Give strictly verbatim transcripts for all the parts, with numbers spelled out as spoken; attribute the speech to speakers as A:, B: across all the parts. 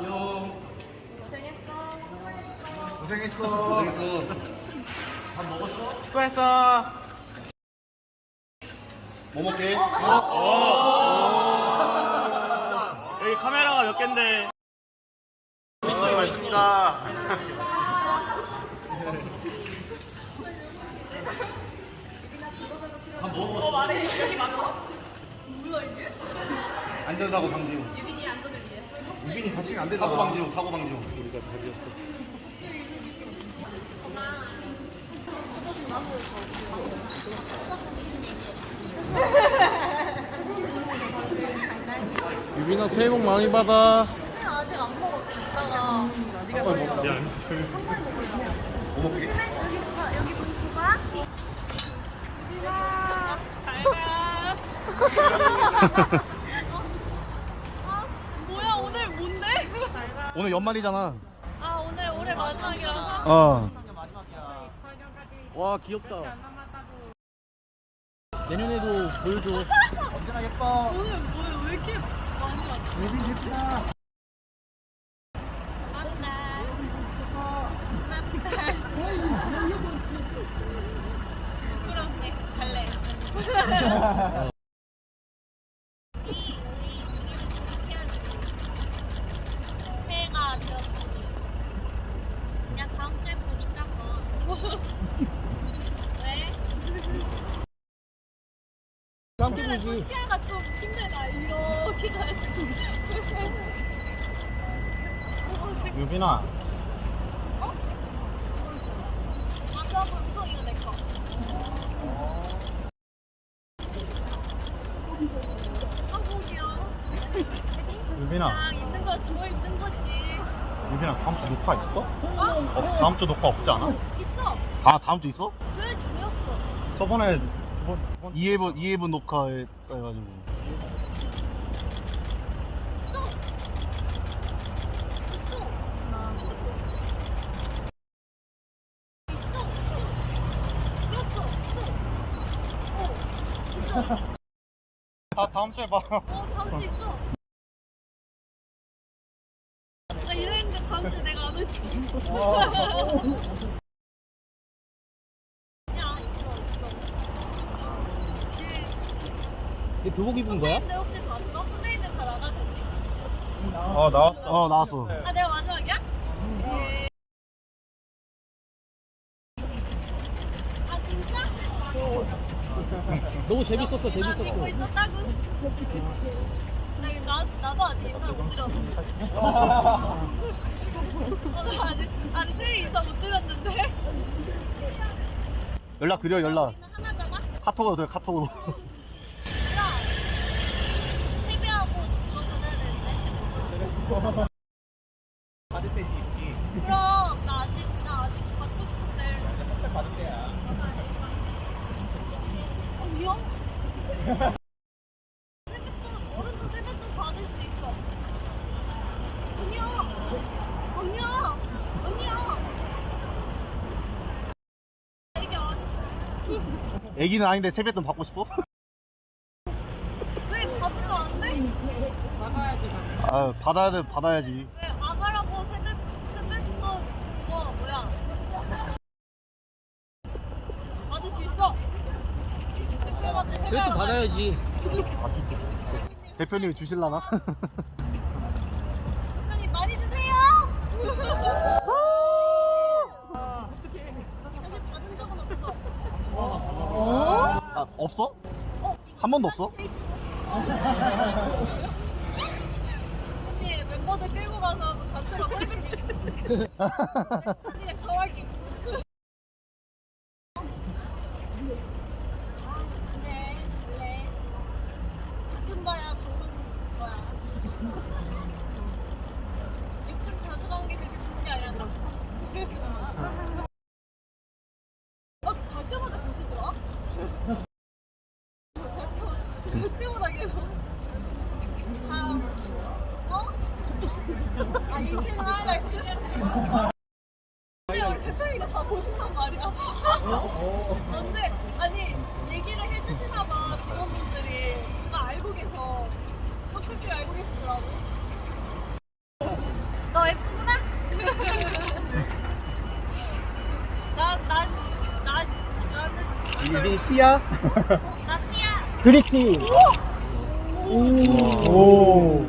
A: 안녕.
B: 고생했어.
A: 고생했어. 고생했어. 밥 먹었어?
C: 수고했어.
A: 뭐 먹게?
C: 여기 카메라가 몇 갠데.
A: 맛있습니다. 밥 먹었어?
B: 어, 말해. 여기 맞아? 뭐야, 이게?
A: 안전사고 방지용.
B: 유빈이 안전을 위해서.
A: 유빈이 다치면 안 되잖아. 사고 방지용, 사고 방지용. 우리가 답이었어.
C: 유빈아 새해 복 많이 받아.
B: 아직 안 먹었어. 이따가. 네가 빨리 먹어.
A: 야, 뭐 먹게?
B: 여기 봐. 여기 문 줘봐. 유빈아. 잘 가. 어? 뭐야, 오늘 뭔데? 잘 가.
A: 오늘 연말이잖아.
B: 아, 오늘 올해 마지막이라서?
A: 어.
C: 와 귀엽다. 내년에도 보여줘.
A: 언제나 예뻐.
B: 오늘 뭐야, 왜 이렇게 많이 왔어?
A: 유빈 예쁘다.
B: 맞다. 부끄럽네. 갈래. 새해가 되었으니 그냥 다음 주에 보니까 뭐. 왜? 오늘은 또 시야가 좀 힘들다. 이렇게 가야지.
A: 유빈아.
B: 어? 아, 그럼 방송 이거 내 거. 한국이요.
A: 유빈아.
B: 그냥 있는 거 주워 있는 거지.
A: 유빈아, 다음 주 녹화 있어?
B: 어?
A: 어, 다음 주 녹화 없지 않아?
B: 있어.
A: 아, 다음 주 있어?
B: 왜 주였어?
A: 저번에 두 번, 두 번... 이 회분, 이 회분 녹화해, 해가지고.
B: 있어. 있어. 있어. 있어. 있어. 어. 있어.
A: 다, 다음 주에 봐.
B: 어, 다음 주 있어. 나 이랬는데 다음 주에 내가 안 올게. 야, 있어, 있어.
C: 얘 교복 입은 거야?
B: 근데 혹시 봤어? 선배님들 다 나가셨니?
A: 어, 나왔어. 어, 나왔어.
B: 아, 내가 마지막이야? 네. 아, 진짜?
C: 너무 재밌었어
B: 난 믿고
C: 재밌었어.
B: 있었다고? 나, 이거 나, 나도 아직 인사 못 드렸어. 어, 나 아직, 아직 새해 인사 못 드렸는데?
A: 연락 드려, 연락.
B: 우리는 하나잖아?
A: 카톡으로 돼, 카톡으로.
B: 야, 세배하고 너 보내야 되는데, 세배. 그럼, 나 아직, 나 아직 받고 싶은데.
A: 받을 때야.
B: 어, 미안? 세뱃돈, 어른도 세뱃돈 받을 수 있어. 아니야. 아니야. 아니야. 이게 아니.
A: 애기는 아닌데 세뱃돈 받고 싶어?
B: 왜 받으면 안 돼?
A: 아, 받아야 돼, 받아야지.
B: 왜 아가라고 세뱃, 세뱃돈, 뭐, 뭐야. 받을 수 있어. 대표한테
C: 그래도
B: 세배하러
C: 받아야지.
A: 아끼지. 대표님이 주실라나?
B: 대표님 많이 주세요. 사실 받은 적은 없어.
A: 아, 없어?
B: 어?
A: 한 번도 없어?
B: 언니 멤버들 끌고 가서 한번 단체로 설빙. 그냥 정확히. 아, 그래, 원래 같은 거야 좋은 거야. 육 층 자주 가는 게 그렇게 좋은 게 아니라. 어, 갈 때마다 보시더라? 그때마다 계속 다 어? 아 인생 하이라이트? 근데 우리 대표님이 다 보신단 말이야. 언제 아니 얘기를 해주시나봐 직원분들이 나 알고 계셔. 가끔씩 알고 계시더라고. 어 예쁘구나. 나난 나 나는
A: 유빈이 티야?
B: 나 티야.
C: 그리티. 오.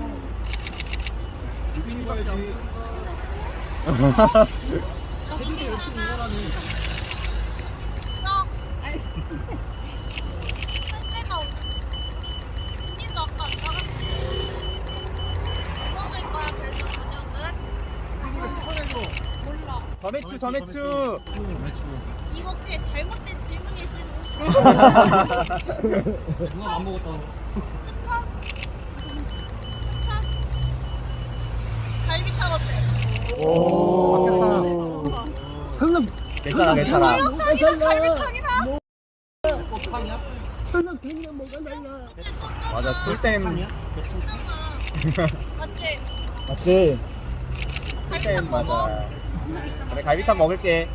B: 여기 하나. 써. 선생가 언니도 아까 안 나갔어. 먹을 거야 그래서 저녁은. 몰라.
A: 점액추 점액추.
B: 이거 그냥 잘못된 질문이지.
C: 누가 안 먹었다.
B: 추천? 추천? 갈비탕 어때?
A: 오. 설렁. 괜찮아 괜찮아.
B: 설렁탕이랑 갈비탕이랑.
A: 설렁탕이랑 뭐가 달라? 맞아 술땐
B: 맞지?
C: 맞지?
B: 갈비탕 먹어?
A: 맞아. 그래 갈비탕 먹을게.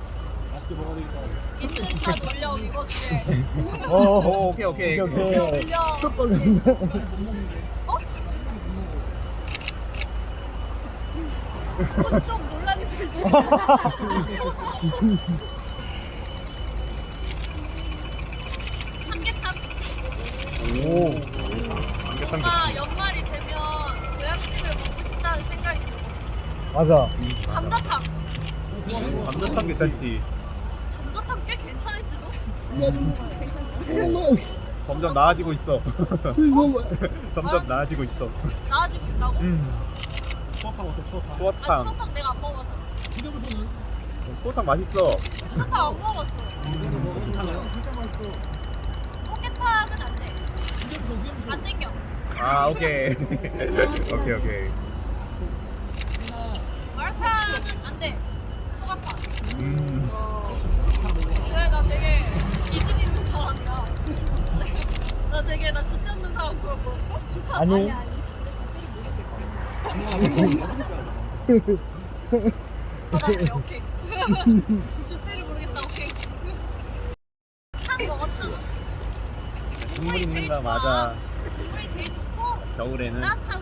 B: 있는 다 놀려 이거지.
C: 어.
A: 오 오케이 오케이.
C: 오케이,
B: 놀려
C: 오케이.
B: 놀려. 어? 그건 좀 논란이 될 때. 삼계탕.
C: 오.
B: 뭔가 연말이 되면 보양식을 먹고 싶다는 생각이 들어.
C: 맞아.
B: 감자탕.
A: 감자탕 괜찮지.
B: 감자탕 꽤 괜찮을지도?
A: 점점 나아지고 있어. 점점 나아지고 있어.
B: 나아지고 있다고?
A: 추어탕 어때? 추어탕.
B: 아
A: 추어탕.
B: 추어탕 내가 안 먹어봤어.
A: 추어탕 맛있어.
B: 추어탕 안 먹어봤어. 포켓탕은 안 돼. 안 땡겨.
A: 아 오케이. 오케이 오케이.
B: 마라탕은 안 돼. 소각파.
A: 음.
B: 그래 나 되게 기준 있는 사람이야. 나 되게 나 진짜 없는 사람처럼 보였어?
C: 아니.
B: 아, 나 그래 오케이. 주대를 모르겠다 오케이. 탕 먹어 탕.
A: 국물 있는 거
B: 좋아.
A: 맞아.
B: 국물이 제일 좋고
A: 겨울에는
B: 따뜻하고.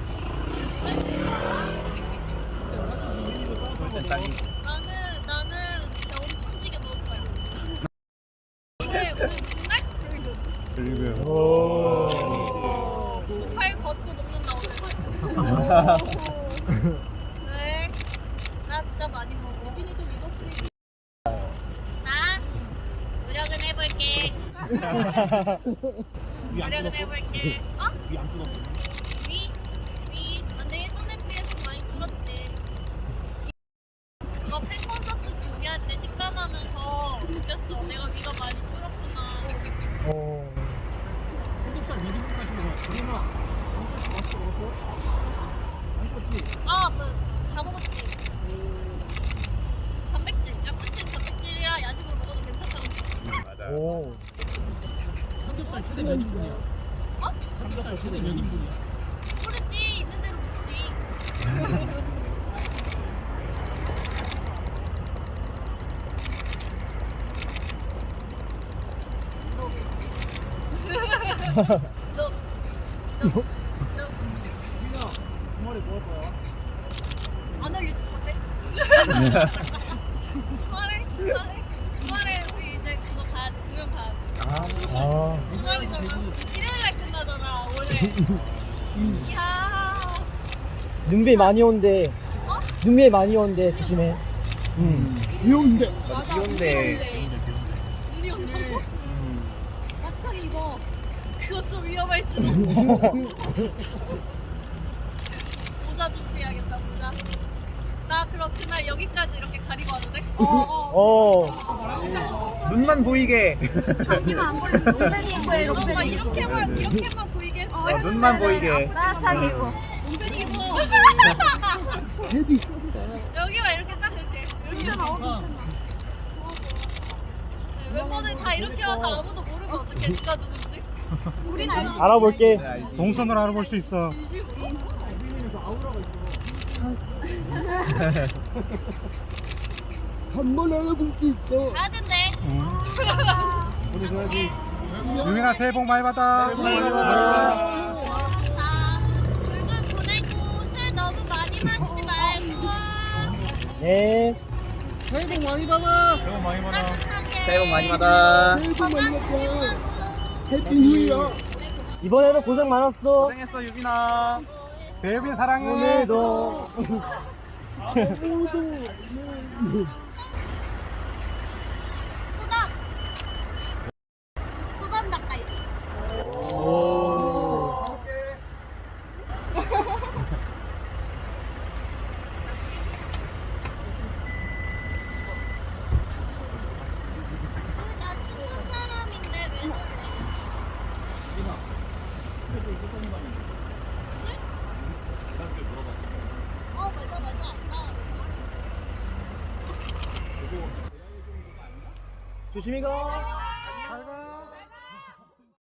A: 술땐 딱이.
B: 나는 나는 진짜 엄청 찌게 먹을 거야. 오늘 오늘 정말 즐겨.
A: 그리고
C: 오.
B: 팔 걷고 먹는다 오늘. 네. 나 진짜 많이 먹어. 여빈이도 믿었지. 나 노력은 해볼게. 노력은 해볼게. 어?
A: 위 안 뜯었어.
B: 위? 위? 근데 예전에 비해서 많이 줄었지. 그거 팬 콘서트 준비할 때 식단하면서 느꼈어. 내가 위가 많이 줄었구나.
C: 오.
B: 아, 뭐, 다 먹었지. 단백질. 야쿠친 단백질이라 야식으로 먹어도 괜찮다고.
A: 맞아.
C: 오.
B: 삼겹살 최대 몇 인분이야? 어? 삼겹살 최대 몇 인분이야? 모르지. 있는 대로 먹지. 너, 너, 너, 너.
A: 주말에 뭐 할 거야?
B: 안 할 유튜브 어때? 주말에? 주말에? 주말에 우리 이제 그거 가야지. 공연 가야지.
C: 아.
B: 주말이잖아. 일요일날 끝나잖아 원래. 이야.
C: 눈비 많이 온대.
B: 어?
C: 눈비 많이 온대. 조심해. 응.
A: 비온대. 맞아 비온대.
B: 눈이 온다고?
A: 음.
B: 마스크를 입어. 그거 좀 위험할지도. 모자 좀 빼야겠다 모자. 나 그럼 그날 여기까지 이렇게 가리고 와도 돼? 어어.
C: 어.
A: 눈만 보이게.
B: 자기만 안 보이면 롱팬 입고 이렇게 이렇게만 이렇게만 보이게.
A: 어, 눈만 보이게.
B: 따뜻하게 입어. 롱팬 입어. 여기만 이렇게 딱 이렇게. 여기 나와. 멤버들 다 이렇게 와서 아무도 모르면 어떡해 누가 누군지. 우린 알지.
C: 알아볼게.
A: 동선을 알아볼 수 있어.
B: 진심으로?
D: 한 번 알아볼 수 있어.
B: 가야 된대.
A: 보내줘야지. 유민아 새해 복 많이 받아. 새해 복 많이
B: 자, 물건 보내고 술 너무 많이 마시고
C: 네.
A: 새해 복 많이 받아.
B: 새해 복 많이
C: 받아.
D: 새해 복 많이 받아. 해피 뉴 이어.
C: 이번에도 고생 많았어.
A: 고생했어 유빈아. 대유빈 사랑해.
C: 오늘도.
B: 소담. 소담 닭가이.
C: 오.
B: 나 친구 사람인데 왜? 어 맞아 맞아. 나
C: 조심히 가.